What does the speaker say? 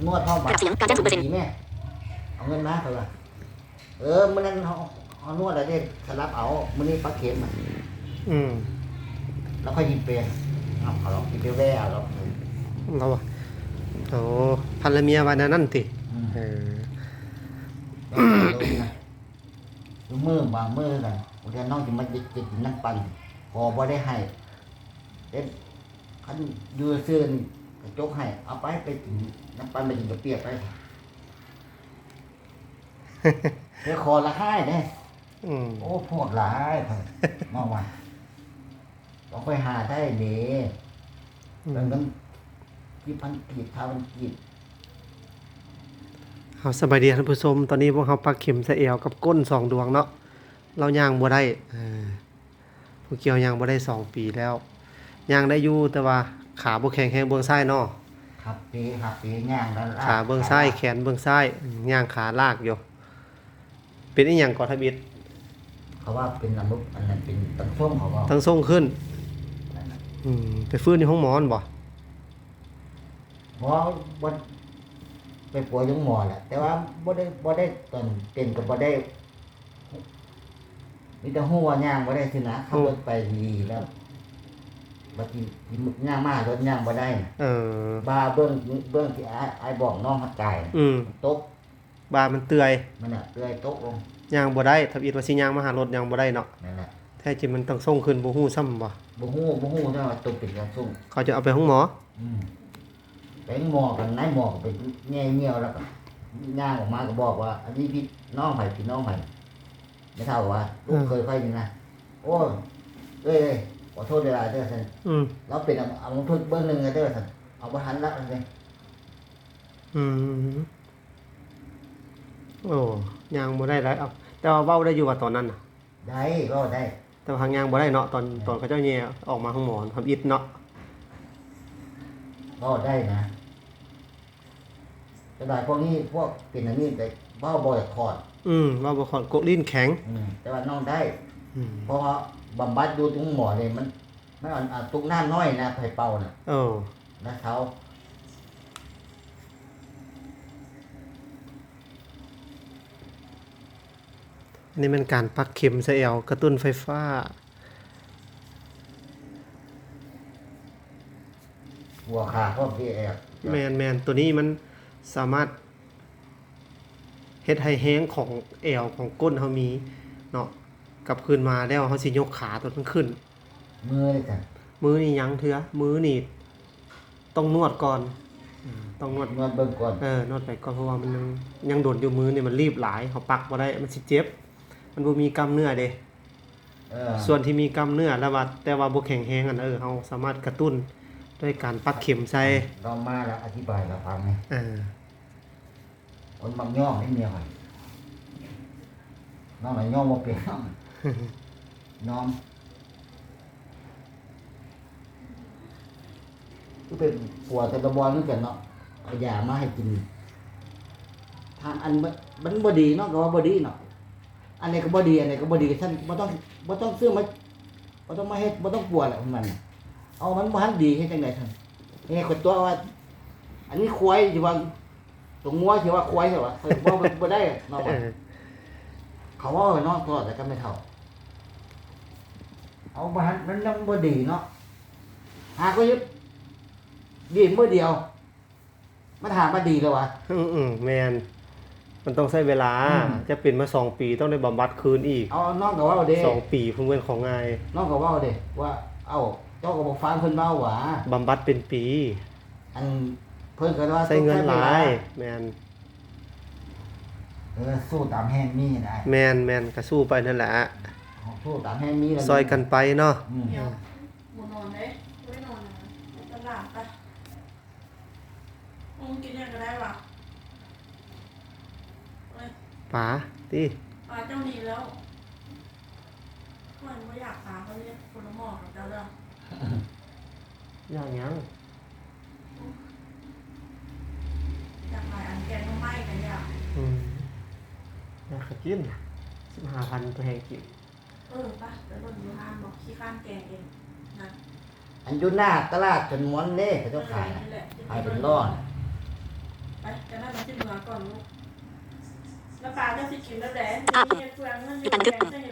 นวดห้องบัตรดีแม่เอาเงินมาเถอะมื้อนั้นเอานวดอะไรได้สลับเอามื้อนี้ปักเข็มแล้วค่อยยิงเปรย์เอาหรอกยิงเปรย์แว่เอาหรอกเราโอ้พันละเมียวันนั้นติมือบางมือกันวันนี้น้องจะมาจิกน้ำปั่นพอบ่ได้ให้เด็ดขันยูเสื้อกระจกให้เอาไปกินน้ำปั่นไปกินกระเปียกไปเดี๋ยวคอละให้เนี่ยโอ้พวกหลายมาวันต้องไปหาได้เด้แล้วมันกี่พันกีบ1,000กีบเฮาสบายดีท่านผู้ชมตอนนี้พวกเฮาปักเข็มใส่เอวกับก้น2ดวงเนาะเราย่างบ่ได้ผู้เกี่ยวย่างบ่ได้2ปีแล้วย่างได้อยู่แต่ว่าขาบ่แข็งแรงเบื้องซ้ายเนาะครับปีย่างแล้วขาเบื้องซ้ายแขนเบื้องซ้ายย่างขาลากอยู่เป็นอีหยังก่อทบิดเขาว่าเป็นอันนั้นเป็นตั้งส่งเขาว่าทั้งส่งขึ้นไปฟื้นในห้องหมอบ่หมอบ่ไปป่วยยังหมอแหละแต่ว่าบ่ได้ตอนเป็นก็บ่ได้มีแต่ฮู้ว่าย่างบ่ได้สินะขับรถไปดีแล้วบัดนี้ย่างมารถย่างบ่ได้บ้าเบิ่งที่อ้ายบอกน้องหัดใจตกบ้ามันเตื่อยมันน่ะเตื่อยตกลงย่างบ่ได้ถ้าอีดว่าสิย่างมาหารถย่างบ่ได้เนาะนั่นแหละแท้จริงมันต้องส่งขึ้นบ่ฮู้ซ้ำบ่ฮู้แต่ว่าตกเป็นการส่งเขาจะเอาไปห้องหมอไปหมอกันนายหมอไปแง่ๆแล้วก็ย่างออกมาก็บอกว่าอันนี้พี่น้องไผพี่น้องไผไม่เท่าว่าลูกเคยนี่นะโอ้เอ้ยขอโทษเวลาเด้อซั่นเราเป็นเอาลงทุนเบิ่งนึงเด้อซั่นเอาบ่ทันละซั่นโอ้ย่างบ่ได้แล้วแต่ว่าเว้าได้อยู่ว่าตอนนั้นน่ะได้เว้าได้แต่ว่าย่างบ่ได้เนาะตอนเขาเจ้าแย่ออกมาห้องหมอทำอิดเนาะเว้าได้นะแต่หลายพวกนี้พวกเป็นอันนี้แต่เว้าบ่อยคอดเว้าบ่คอดกกลิ้นแข็งแต่ว่าน้องได้เพราะว่าบำบัดอยู่ตรงหมอนี่มันตุกน้ำน้อยนะไผเป่าน่ะนะเขานี่มันการปักเข็มใส่เอวกระตุ้นไฟฟ้าหัวขาพวกที่แอบแม่นตัวนี้มันสามารถเฮ็ดให้แห้งของเอวของก้นเฮามีเนาะกลับคืนมาแล้วเฮาสิยกขาตัวมันขึ้นมือเลยจ้ะมือนี่ยังเถือมือนี่ต้องนวดก่อนต้องนวดเบิ่งก่อนนวดไปก่อนเพราะว่ามันยังโดนอยู่มือนี่มันรีบหลายเฮาปักบ่ได้มันสิเจ็บมันบ่มีกล้ามเนื้อเด้ส่วนที่มีกล้ามเนื้อแล้วว่าแต่ว่าบ่แข็งแรงเฮาสามารถกระตุ้นด้วยการปักเข็มใส่เรามาแล้วอธิบายเราฟังไหมคนบางย่อไม่มีอะไรน้องไหนย่อมาเป็นน้องก็เป็นปวดแต่ระบอนนึกกันเนาะเอายามาให้กินทางอันมันบ่ดีเนาะก็ว่าบ่ดีเนาะอันไหนก็บ่ดีอันไหนก็บ่ดีท่านบ่ต้องซื้อมาบ่ต้องมาเฮ็ดบ่ต้องปวดแหละมันเอามันบ่ทันดีเฮ็ดจังได๋ท่านนี่คนตัวว่าอันนี้ควายสิว่าตรงงัวสิว่าควายสิว่าบ่ได้เนาะเขาว่าเนาะก็แต่ก็ไม่เท่าเอาบ่ทันมันยังบ่ดีเนาะหาก็ยึดดีมื้อเดียวมาถามว่าดีแล้ววะแม่นมันต้องใช้เวลาจะเป็นมา2ปีต้องได้บำบัดคืนอีกเอาน้องก็ว่าเด้ 2ปีเพิ่นเป็นของง่ายน้องก็ว่าเด้ว่าเอ้าเจ้าก็บ่ฟังเพิ่นเว้าหว่าบำบัดเป็นปีอันเพิ่นก็ว่าใช้เงินหลายแม่นสู้ตามแห้งมีได้แม่นก็สู้ไปนั่นแหละสู้ตามแห้งมีซอยกันไปเนาะบ่นอนเด้บ่นอนนะตลาดไปกินยังก็ได้ว่ะป๋าติป๋าเจ้านี่แล้วมันบ่อยากป๋าเขาเรียกคนละหม้อกับเจ้าเด้ออย่างยังอยากขายอันแกงน้ำไหม้กันอยากอยากกิน 15,000ตัวแห้งกินป่ะไปเบิ่งอยู่ห้างบอกขี้ข้านแกงเองนะอันอยู่หน้าตลาดจนม้วนเด้เขาเจ้าขายเป็นร้อนไปจะนั่งมาที่เมืองก่อนลูกแล้วปลาจะสิกินแล้วแหละมีเฟืองเงินอยู่แกงใส่